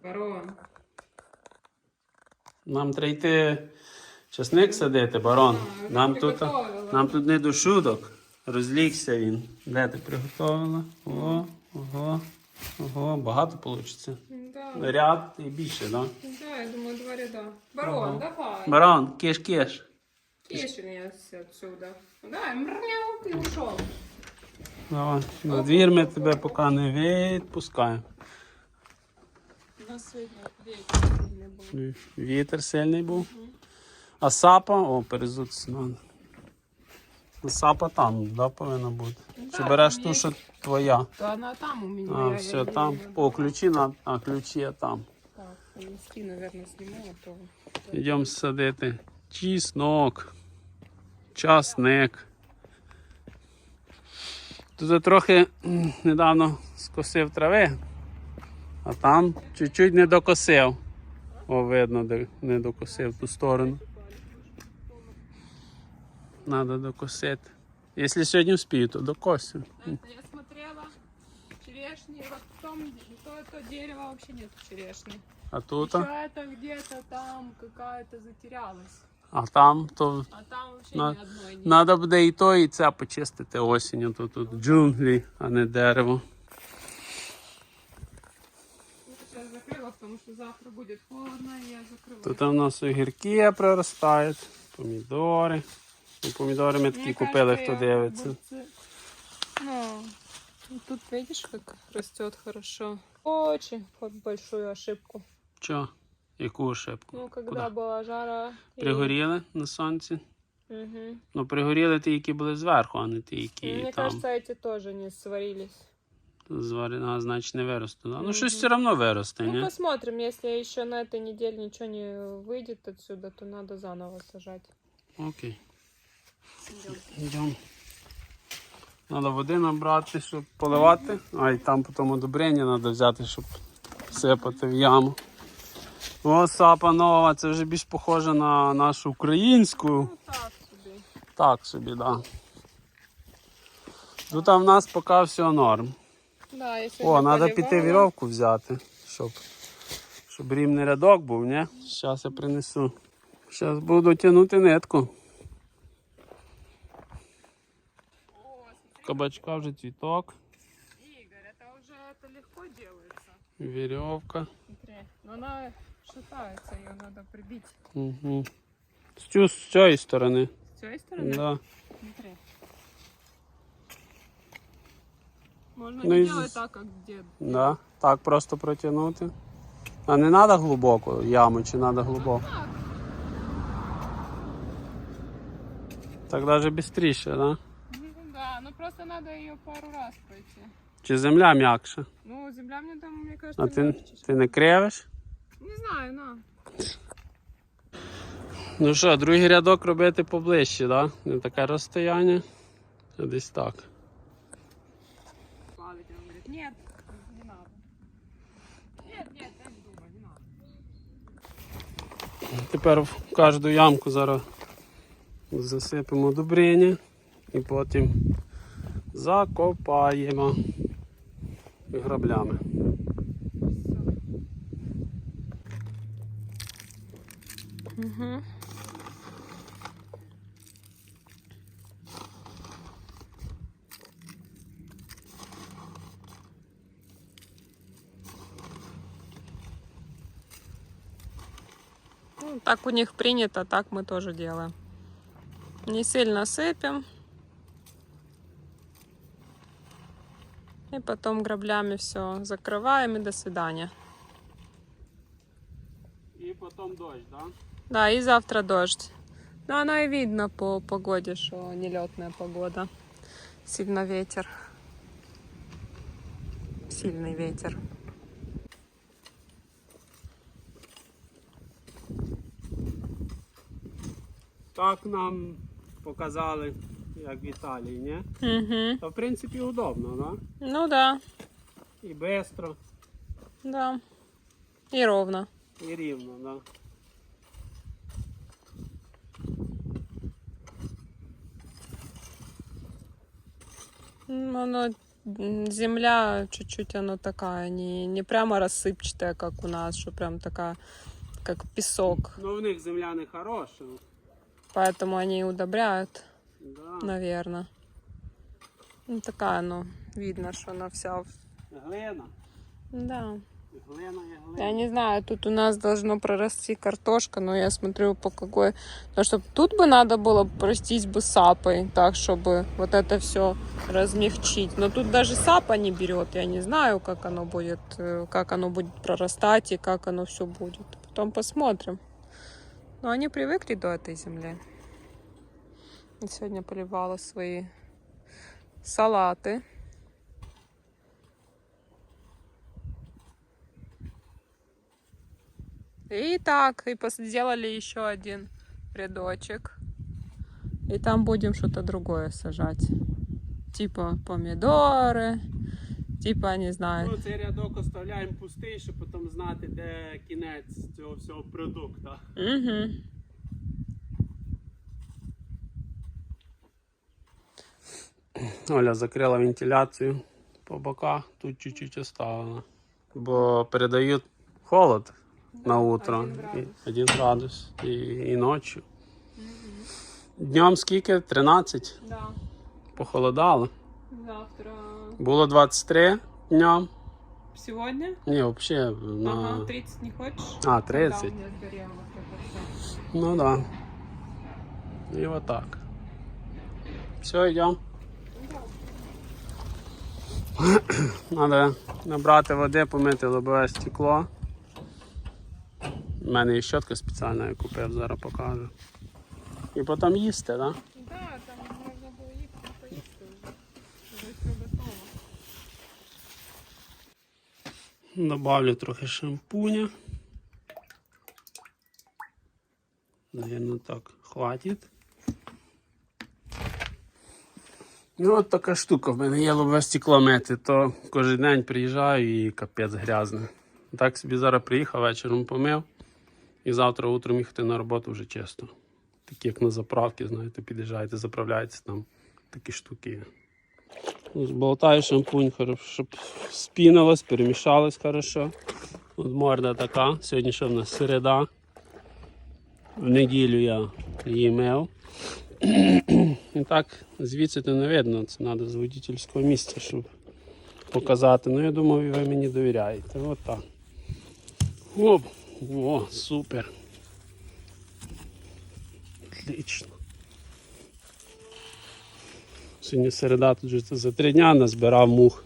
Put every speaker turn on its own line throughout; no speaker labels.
Барон.
Нам треба йти часник садити, барон. Нам тут не до шуток. Розлігся він. Де ти приготувала? Ого, багато вийде.
Да.
Ряд і більше, так? Да?
Да, я думаю, 2 ряда. Барон, давай.
Барон, киш-киш.
Киш меня отсюда. Да, мрнял, ты ушел.
Давай, на двір ми тебе поки не відпускаємо.
У нас сьогодні вітер сильний був.
Вітер сильний був. А сапа, перезутися треба. А сапа там, да, повинна бути?
Да,
Чи береш
там
ту,
є.
що твоя?
То она там у меня.
А, все, там. О, ключі, ключі там.
Так, понести, наверное, сниму, а то...
Йдемо садити чеснок, часник. Тут трохи недавно скосив трави, а там чуть-чуть не докосив. О, видно, де не докосив ту сторону. Треба докосити. Якщо сьогодні вспію, то докосив.
Я смотрела черешни, вот в том, то дерево вообще нет черешни.
А тут?
Еще это где-то там какая-то затерялась.
А там то
А там вообще
На-
ни одной нет.
треба буде і то, і це почистити осінню. Тут джунглі, а не дерево.
Сейчас закрыла, потому что завтра будет холодно, и я закрыла.
Тут у нас огірки проростають, помідори. І помідори ми такі
Мне
купили,
кажется,
хто
я
дивиться.
огурцы- Ну, тут видишь, как растет хорошо. Очень большую ошибку.
Чо? Яку ошибку?
Ну, когда
Куда?
была жара. и-
Пригоріли на сонці?
Мгм.
Ну, пригоріли ті, які були зверху, а не ті, які
Мне
там
кажется, эти тоже не сварились.
зварена, значить не виросте. Да? Ну, щось все одно виросте,
Ну,
ні?
посмотрим, если еще на этой неделе ничего не выйдет отсюда, то надо заново сажать.
Окей. Йдемо. Треба води набрати, щоб поливати. А і там потім удобрення треба взяти, щоб сипати в яму. О, сапа нова, це вже більш похоже на нашу українську.
Ну, так собі.
Так собі, так. Да. Тут в нас поки все норм.
Да, я
О,
сьогодні
треба піти
поливала.
вірьовку взяти, щоб рівний рядок був, ні? Зараз я принесу. Зараз буду тягнути нитку.
О, смотри,
Кабачка вже цвіток,
Игорь, это легко делается.
вірьовка.
Смотри, но она шатается, ее надо прибить.
Угу. З цієї сторони.
С той стороны?
Да.
Смотри. Можно
Ну
не
и
делать так, как дед.
Да. Так просто протягнути. А не треба глибоко яму, чи треба глибоко?
Так.
Так навіть швидше, да?
Да, ну просто надо ее пару раз пройти.
Чи земля м'якша?
Ну, земля мне там, мне кажется,
А ти
легче.
не кривиш?
Не знаю, на.
Ну що, другий рядок робити поближче, да? Не таке розстояння. А десь так.
Плавить, он говорит, нет, не надо. Нет, я не думаю, не надо.
Тепер в кожну ямку зараз засипемо удобрення і потім закопаємо граблями.
Угу. Ну, так у них принято, так мы тоже делаем. Не сильно сыпем. И потом граблями все закрываем и до свидания.
І потім дощ, да?
Да, и завтра дождь. Но оно и видно по погоде, что нелетная погода. Сильно ветер. Сильный ветер.
Так нам показали, як в Італії, ні?
Угу.
Та в принципі удобно, да?
Ну да,
І швидко,
да. И ровно.
і рівно, да.
Оно земля чуть-чуть она такая, не прямо рассыпчатая, как у нас, что прям такая, как песок.
Ну, в них земля не хороша.
Поэтому они и удобряют,
Да.
наверное. Ну, такая, ну, видно, что она вся...
Глина.
Да.
Глина є глина.
Я не знаю, тут у нас должно прорасти картошка, но я смотрю по какой... Потому что тут бы надо было простить бы сапой, так, чтобы вот это все размягчить. Но тут даже сапа не берет. Я не знаю, как оно будет прорастать и как оно все будет. Потом посмотрим. Но они привыкли до этой земли. И сегодня поливала свои салаты. И так, и сделали еще один рядочек. И там будем что-то другое сажать. Типа помидоры, типа, не знаю.
Ну, цей рядок оставляємо пустий, щоб потім знати, де кінець цього всього продукту.
Угу.
Оля закрила вентиляцію по боках, тут чуть-чуть оставила. Бо передають холод на утро. 1 градус. І ночі. Днем скільки? 13.
Да.
Похолодало.
Завтра.
Було 23 днем.
Сегодня?
Ні, взагалі на...
Ага, 30 не хочешь?
А, 30.
Да, у меня сгорело вот это всё.
Ну да. І отак. Все, йдемо. Треба набрати води, помити лобове стекло. У мене є щотка спеціальна, я купив, зараз покажу. І потім їсти, так? Да?
Да, там можно было їсти, поїсти вже. Вже все готово.
Добавлю трохи шампуня. Наверно, так хватить. Ну от така штука, в мене є лобове стекло мити, то кожен день приїжджаю і капець грязне. Так собі зараз приїхав, вечором помив і завтра утром їхати на роботу вже чисто. Такі як на заправки, знаєте, під'їжджаєте, заправляєтесь, там такі штуки є. Зболтаю шампунь, щоб спінилось, перемішалось хорошо. От морда така, сьогодні що в нас середа. В неділю я її мив. І так, звідси то не видно, це треба з водительського місця, щоб показати. Ну, я думаю, ви мені довіряєте. От так. Оп, о, супер. Отлично. Сьогодні середа, тут вже за 3 дня назбирав мух.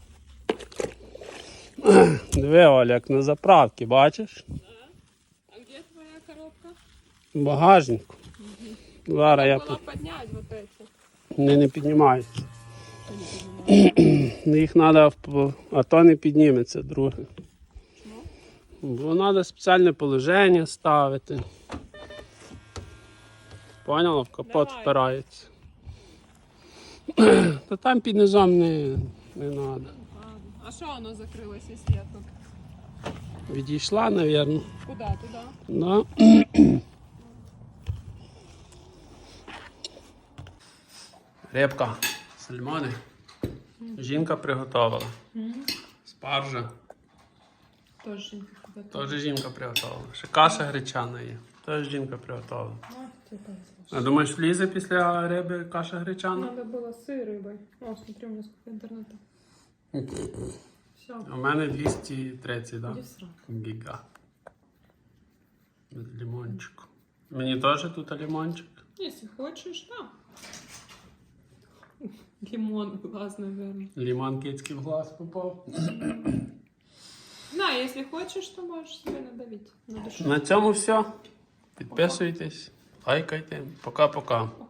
Диви, Оля, як на заправці, бачиш?
А где твоя коробка?
В багажнику. Зараз я
Было поднять вот эти.
не піднімаються. Їх треба, а то не підніметься, друге.
Чому?
Бо треба спеціальне положення ставити. Поняла? В капот
Давай.
впирається. Та там під низом не треба.
Ладно. А что оно закрылось, если я тут?
Відійшла, мабуть.
Куда? Туда?
Да. Рибка, сальмони. Жінка приготувала. Спаржа.
Тоже
Теж жінка приготувала. Ще каша гречана є. Теж жінка приготувала. А думаєш, влізе після риби каша гречана?
Надо было с рыбой. О, смотри, у меня сколько интернета. Все.
У мене 230, так?
Иди в сраку.
Гіга. Без лимончику. Мені теж тут лимончик.
Если хочешь, да. Лимон в глаз, наверное.
Лимон кицький в глаз попав.
Да, если хочешь, то можешь себе надавить на душу.
На цьому все. Підписуйтесь, лайкайте. Пока-пока.